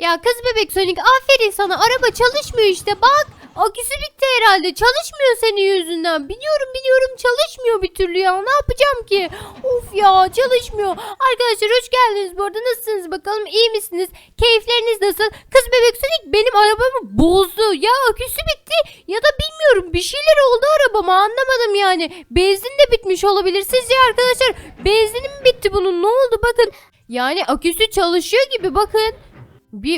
Ya kız bebek Sonic aferin sana, araba çalışmıyor işte bak. Aküsü bitti herhalde, çalışmıyor senin yüzünden. Biliyorum çalışmıyor bir türlü ya, ne yapacağım ki? Of ya, çalışmıyor. Arkadaşlar hoş geldiniz bu arada, nasılsınız bakalım, iyi misiniz? Keyifleriniz nasıl? Kız bebek Sonic benim arabamı bozdu. Ya aküsü bitti ya da bilmiyorum, bir şeyler oldu arabama, anlamadım yani. Benzin de bitmiş olabilir. Sizce arkadaşlar benzinim mi bitti bunun, ne oldu bakın. Yani aküsü çalışıyor gibi bakın. Bir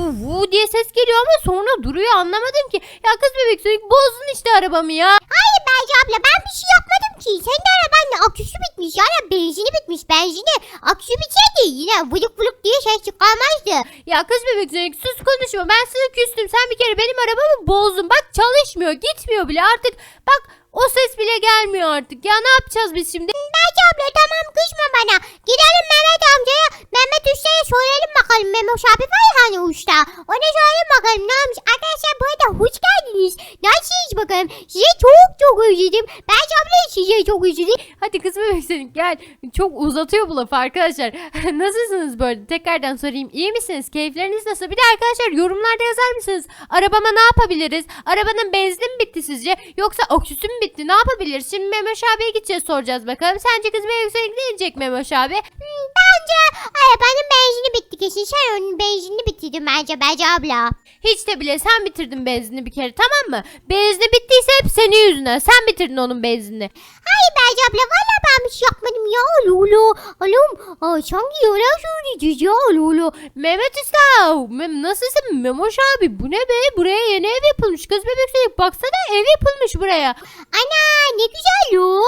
vu diye ses geliyor ama sonra duruyor, anlamadım ki. Ya kız bebek Sonic bozdun işte arabamı ya. Hayır Berce abla, ben bir şey yapmadım ki. Senin arabanın aküsü bitmiş yani, benzini bitmiş. Benzini aküsü bitseydi yine vılık vılık diye ses çıkarmazdı. Ya kız bebek Sonic sus konuşma, ben sana küstüm. Sen bir kere benim arabamı bozdun. Bak çalışmıyor, gitmiyor bile artık. Bak o ses bile gelmiyor artık. Ya ne yapacağız biz şimdi? Berce abla tamam, kızma bana. Gidelim Mehmet amcaya, Mehmet Usta'ya soralım bakalım. Mehmet abi var ya hani usta. Ona soralım bakalım ne olmuş. Arkadaşlar bu arada hoş geldiniz. Nasılsınız bakalım? Size çok özledim. Berce abla size çok özledim. Hadi kız bebek Sonic gel. Çok uzatıyor bu lafı arkadaşlar. Nasılsınız böyle? Tekrardan sorayım. İyi misiniz? Keyifleriniz nasıl? Bir de arkadaşlar yorumlarda yazar mısınız? Arabama ne yapabiliriz? Arabanın benzini mi bitti sizce? Yoksa aküsü mü bitti? Ne yapabiliriz? Şimdi Memoş abiye gideceğiz, soracağız bakalım. Sence kız bebek Sonic ne diyecek Memoş abi? Bence arabanın benzini bitti kesin. Sen onun benzinini bitirdin bence Berce abla. Hiç de bile sen bitirdin benzini bir kere, tamam mı? Benzini bittiyse hep senin yüzünden. Sen bitirdin onun benzinini. Hayır Berce abla, valla ben bir şey yapmadım ya. Lolo. Oğlum sanki yalan söyleyeceğiz ya Lolo. Mehmet Usta, nasılsın Memoş abi? Bu ne be? Buraya yeni ev yapılmış. Kız bebek Sonic baksana, ev yapılmış buraya. Ana ne güzel o.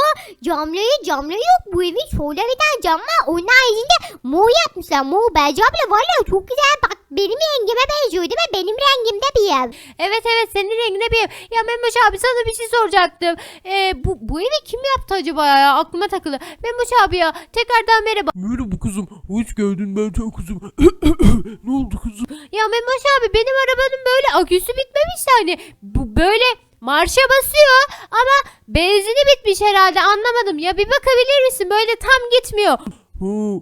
Camları yok. Bu evin şöyle bir tane cam var. Onun haricinde mor yapmışlar. Mor Berce abla, valla çok güzel. Bak benim rengime benziyor değil mi? Benim rengimde bir ev. Evet senin rengine bir ev. Ya Memoş abi sana bir şey soracaktım. Bu evi kim yaptı acaba ya? Aklıma takıldı. Memoş abi ya, tekrardan merhaba. Merhaba kızım. Hoş geldin Meltem kızım. Ne oldu kızım? Ya Memoş abi benim arabanın böyle aküsü bitmemiş yani. Bu böyle marşa basıyor ama benzini bitmiş herhalde, anlamadım. Ya bir bakabilir misin? Böyle tam gitmiyor. Ha.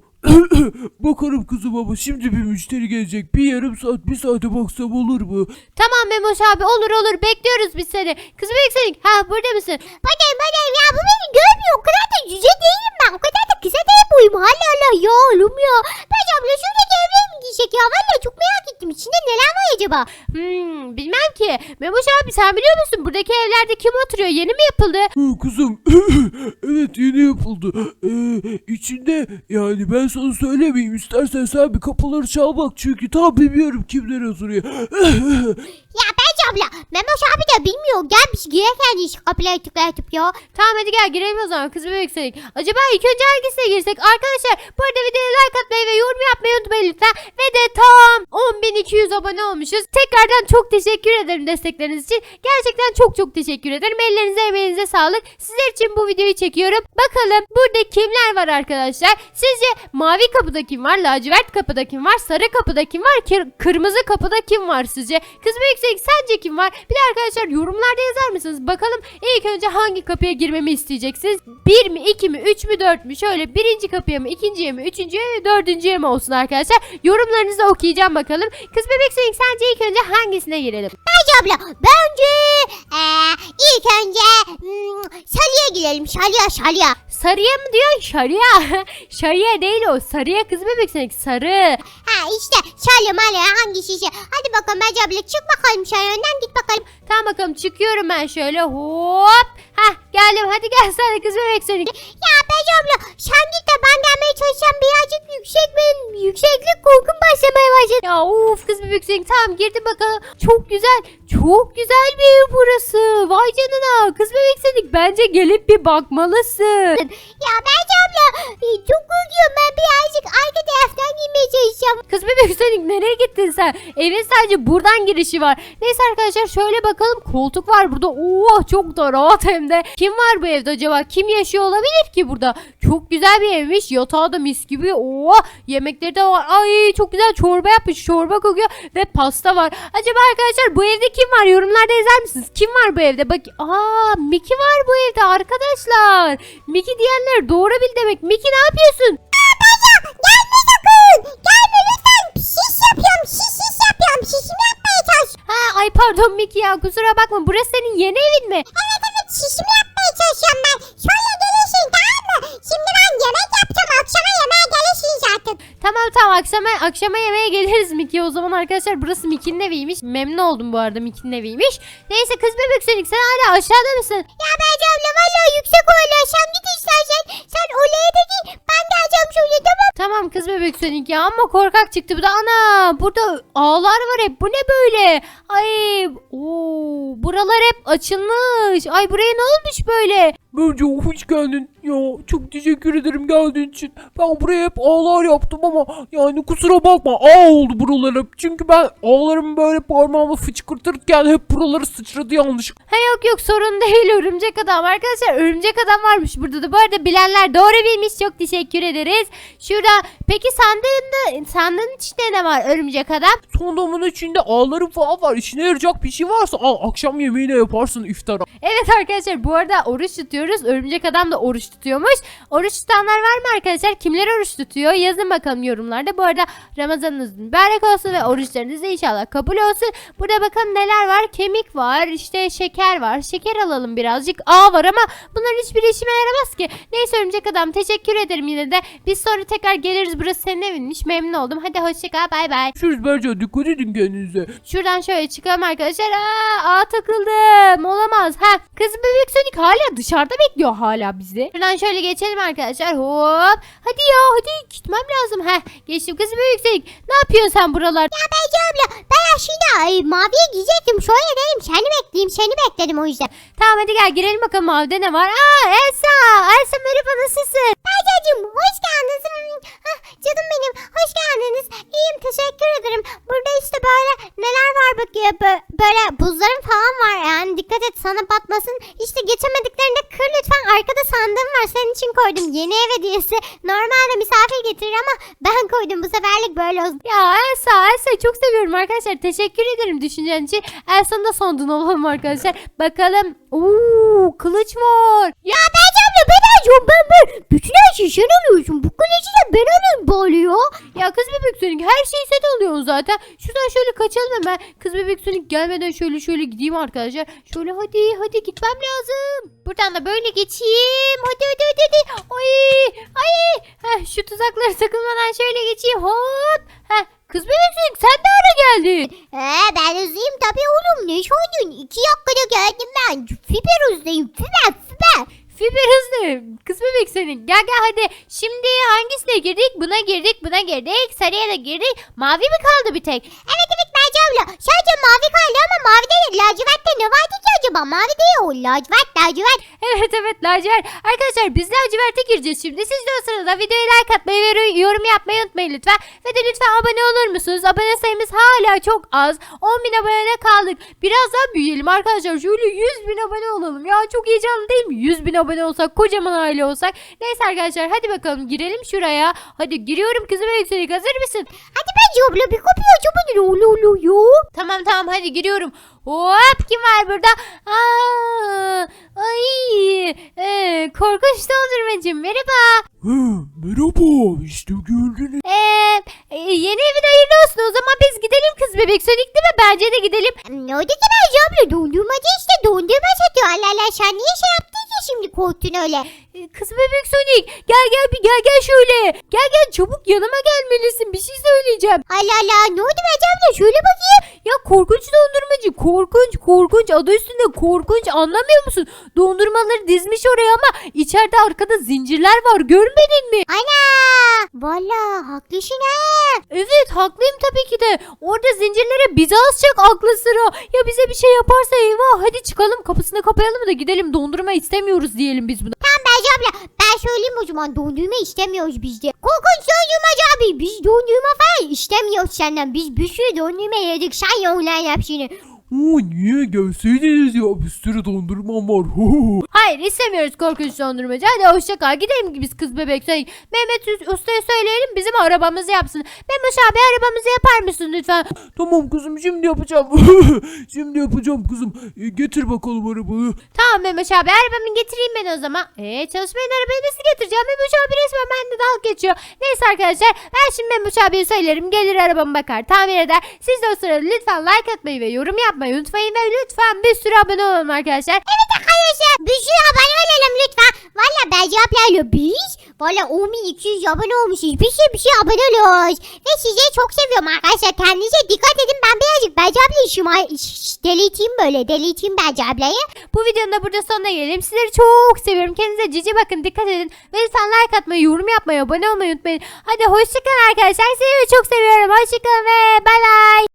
Bakarım kızım ama şimdi bir müşteri gelecek. Bir yarım saat, bir saate baksam olur mu? Tamam Memoş abi, olur bekliyoruz biz seni. Kız bebek Sonic, burada mısın? Badem ya, bu beni görmüyor. O kadar da cüce değilim ben. O kadar da kısa değil boyum. Hala ya oğlum ya. Berce abla şuradaki evleri mi giysek ya? Valla çok merak ettim. İçinde neler var acaba? Bilmem ki. Memoş abi sen biliyor musun? Buradaki evlerde kim oturuyor? Yeni mi yapıldı? Kızım. Evet, yeni yapıldı. İçinde yani ben sana söylemeyeyim. İstersen sen bir kapıları çal bak. Çünkü tam bilmiyorum kimler oturuyor. Ya Berce abla, Mehmet abi de bilmiyor. Gel biz girerken hiç kapıları tıklatıp ya. Tamam hadi gel girelim o zaman kız bebek Sonic. Acaba ilk önce hangisine girsek? Arkadaşlar bu arada videoya like atmayı ve yorum yapmayı unutmayın lütfen. Ve de tam 10.200 abone olmuşuz. Tekrardan çok teşekkür ederim destekleriniz için. Gerçekten çok teşekkür ederim. Ellerinize emeğinize sağlık. Sizler için bu videoyu çekiyorum. Bakalım burada kimler var arkadaşlar? Sizce mavi kapıda kim var? Lacivert kapıda kim var? Sarı kapıda kim var? Kırmızı kapıda kim var sizce? Kız bebek Sonic sence kim var? Bir de arkadaşlar yorumlarda yazar mısınız? Bakalım ilk önce hangi kapıya girmemi isteyeceksiniz? 1 mi, 2 mi, 3 mü, 4 mü? Şöyle birinci kapıya mı, ikinciye mi, üçüncüye mi, dördüncüye mi olsun arkadaşlar? Yorumlarınızı okuyacağım bakalım. Kız bebek Sonic sence ilk önce hangisine girelim? Berce abla, bence ilk önce Şali'ye girelim. Şali'ye. Sarıya mı diyor? Şarıya. Şarıya değil o. Sarıya kız bebek Sonic. Sarı. Ha işte Şali hangisi şey. Hadi bakalım Berce abla, çık bakalım Şali'den, git bakalım. Tamam bakalım, çıkıyorum ben şöyle. Hop. Geldim. Hadi gel sen de kız bebek Sonic. Ya Berce abla, sen git de ben gelmeye çalışacağım. Birazcık yükseklik korkum başlamaya başladı. Ya of kız bebek Sonic, tamam girdim bakalım. Çok güzel. Çok güzel bir ev burası. Vay canına. Kız bebek Sonic bence gelip bir bakmalısın. Ya Berce abla, çok korkuyorum, ben birazcık arka taraftan girmeye çalışacağım. Kız bebek Sonic nereye gittin sen? Evin sadece buradan girişi var. Neyse arkadaşlar şöyle bakalım. Koltuk var burada. Oo çok da rahat hem de. Kim var bu evde acaba? Kim yaşıyor olabilir ki burada? Çok güzel bir evmiş. Yatağı da mis gibi. Oo yemekleri de var. Ay çok güzel çorba yapmış. Çorba kokuyor ve pasta var. Acaba arkadaşlar bu evde kim var? Yorumlarda yazar mısınız? Kim var bu evde? Bak Miki var bu evde arkadaşlar. Miki diyenler doğru bil demek. Miki ne yapıyorsun? Gelme sakın. Gelme lütfen. Şiş yapıyorum. Şiş pardon Mickey ya, kusura bakma, burası senin yeni evin mi? Evet şişimi yapmaya çalışıyorum ben. Şöyle gelirsin tamam mı? Şimdi ben yemek yapacağım. Akşama yemeğe gelirsin zaten. Tamam akşama yemeğe geliriz Mickey. O zaman arkadaşlar burası Mickey'nin eviymiş. Memnun oldum bu arada, Mickey'nin eviymiş. Neyse kız bebek Sonic, sen hala aşağıda mısın? Ya Bence abla valla yüksek olaylar. Sen git istersen. Sen olaya da git. Ben geleceğim şöyle tamam. Tamam kız bebek Sonic ya, ama korkak çıktı bu da. Ana, burada ağlar var hep. Bu ne böyle? Ay, buralar hep açılmış. Ay, buraya ne olmuş böyle? Bence hoş geldin. Ya çok teşekkür ederim geldiğin için. Ben buraya hep ağlar yaptım ama yani kusura bakma, ağ oldu buralar hep. Çünkü ben ağlarımı böyle parmağımla fıçkırtırken hep buraları sıçradı yanlış. Ha yok sorun değil, örümcek adam. Arkadaşlar örümcek adam varmış burada da. Bu arada bilenler doğru bilmiş, çok teşekkür ederiz. Şurada peki sandığın içinde ne var örümcek adam? Sandığımın içinde ağlarım falan var. İşine yarayacak bir şey varsa al, akşam yemeğine yaparsın iftara. Evet arkadaşlar, bu arada oruç tutuyoruz. Örümcek adam da oruç tutuyormuş. Oruç tutanlar var mı arkadaşlar? Kimler oruç tutuyor? Yazın bakalım yorumlarda. Bu arada Ramazanınız mübarek olsun ve oruçlarınız da inşallah kabul olsun. Burada bakın neler var? Kemik var, işte şeker var. Şeker alalım birazcık. Ağ var ama bunların hiçbir işime yaramaz ki. Neyse örümcek adam, teşekkür ederim yine de. Biz sonra tekrar geliriz. Burası senin evinmiş. Memnun oldum. Hadi hoşça kal. Bay bay. Görüşürüz Berca, dikkat edin kendinize. Şuradan şöyle çıkalım arkadaşlar. Ağa takıldım. Olamaz. Kız bebek Sonic hala dışarıda bekliyor hala bizi. Şuradan şöyle geçelim arkadaşlar. Hop. Hadi ya, hadi gitmem lazım. Geçtim kız bebek Sonic. Ne yapıyorsun sen buralarda? Ya Bence abla ben aslında maviye gidecektim. Şöyle dedim seni bekleyeyim. Seni bekledim o yüzden. Tamam hadi gel girelim bakalım, mavide ne var? Elsa. Elsa merhaba, nasılsın? Bercacığım hoş geldiniz. Canım benim hoş geldiniz. İyiyim teşekkür ederim. Burada işte böyle neler var bakıyor. Böyle buzların falan var yani. Dikkat et sana batmasın. İşte geçemediklerinde kır lütfen. Arkada sandığım var. Senin için koydum. Yeni ev hediyesi. Normalde misafir getirir ama ben koydum. Bu seferlik böyle olsun. Ya Elsa'yı çok seviyorum arkadaşlar. Teşekkür ederim düşüncen için. Elsa'nın da sondun olalım arkadaşlar. Bakalım. Kılıç var. Ya Bence abla ben alacağım. Ben bütün her şeyi sen alıyorsun. Bu kılıcı da ben alayım bari ya. Ya kız bebek Sonic, her şeyi sen alıyorsun zaten. Şuradan şöyle kaçalım hemen. Kız bebek Sonic gelmeden şöyle gideyim arkadaşlar. Şöyle hadi gitmem lazım. Buradan da böyle geçeyim. Hadi. Ay. Şu tuzaklara takılmadan şöyle geçeyim. Hop. Kız bebek Sonic, sen de ara geldin. Ben hızlıyım tabii oğlum. Ne sordun? 2 dakikada geldim ben. Fiber hızlıyım. Fiber. Fiber hızlı. Kız bebek Sonic, gel hadi. Şimdi hangisine girdik? Buna girdik. Sarıya da girdik. Mavi mi kaldı bir tek? Evet Bence abla. Sadece mavi kaldı ama mavide de lacivertte ne vardı ki acaba? Mavi değil o. Lacivert. Evet lacivert. Arkadaşlar biz laciverte gireceğiz şimdi. Siz de o sırada videoya like atmayı ve yorum yapmayı unutmayın lütfen. Ve de lütfen abone olur musunuz? Abone sayımız hala çok az. 10.000 abonede kaldık. Biraz daha büyüyelim arkadaşlar. Şöyle 100.000 abone olalım. Ya çok heyecanlı değil mi? 100.000 abone olsak, kocaman aile olsak. Neyse arkadaşlar hadi bakalım girelim şuraya. Hadi giriyorum kızım Ekselik, hazır mısın? Hadi Bence abla bir kapıyı açamadın. Tamam hadi giriyorum. Hop, kim var burada? Korkunç dondurmacım merhaba. Merhaba, işte geldiniz. Yeni evin hayırlı olsun. O zaman biz gidelim kız bebek Sonic, değil mi? Bence de gidelim. Ne oldu ki Bence abla? Dondurmacı işte. Dondurma satıyor. Allah sen niye şey yaptın ki şimdi korktun öyle? Kız bebek Sonic, gel şöyle. Gel çabuk yanıma gelmelisin. Bir şey söyleyeceğim. Allah ne oldu Bence abla? Şöyle bakayım. Ya korkunç dondurmacı, korkunç, adı üstünde korkunç, anlamıyor musun? Dondurmaları dizmiş oraya ama içeride arkada zincirler var, görmedin mi? Ana. Valla haklısın ha. Evet haklıyım tabii ki de. Orada zincirlere bizi asacak aklı sıra. Ya bize bir şey yaparsa eyvah. Hadi çıkalım, kapısını kapayalım da gidelim, dondurma istemiyoruz diyelim biz buna. Tamam Bence abla. Ben söyleyeyim o zaman, dondurma istemiyoruz biz de. Korkunç dondurmacı abi. Biz dondurma falan istemiyoruz senden. Biz bir sürü dondurma yedik. Sen yoğunlar hepsini. Niye gelseydiniz ya, bir sürü dondurmam var. Hayır istemiyoruz korkunç dondurmacı. Hadi hoşça kal, gidelim biz kız bebek. Mehmet Usta'ya söyleyelim bizim arabamızı yapsın. Mehmet abi arabamızı yapar mısın lütfen? Tamam kızım, şimdi yapacağım. Şimdi yapacağım kızım. Getir bakalım arabayı. Tamam Mehmet abi, arabamı getireyim ben o zaman. Çalışmayan arabayı nasıl getireceğim? Mehmet abi resmen bende dalga geçiyor. Neyse arkadaşlar, ben şimdi Mehmet abiye söylerim, gelir arabamı bakar, tamir eder. Siz de o sırada lütfen like atmayı ve yorum yapmayı atmayı unutmayın ve lütfen bir sürü abone olalım arkadaşlar. Evet arkadaşlar bir sürü abone olalım lütfen. Valla Bence ablayla biz valla 10.200 abone olmuşuz. Bir sürü abone oluyoruz. Ve sizi çok seviyorum arkadaşlar. Kendinize dikkat edin. Ben birazcık Bence ablayı deleyteyim Bence ablayı. Bu videonun da burada sonuna gelelim. Sizleri çok seviyorum. Kendinize cici bakın, dikkat edin. Ve lütfen like atmayı, yorum yapmayı, abone olmayı unutmayın. Hadi hoşçakalın arkadaşlar. Sizleri çok seviyorum. Hoşçakalın ve bay bay.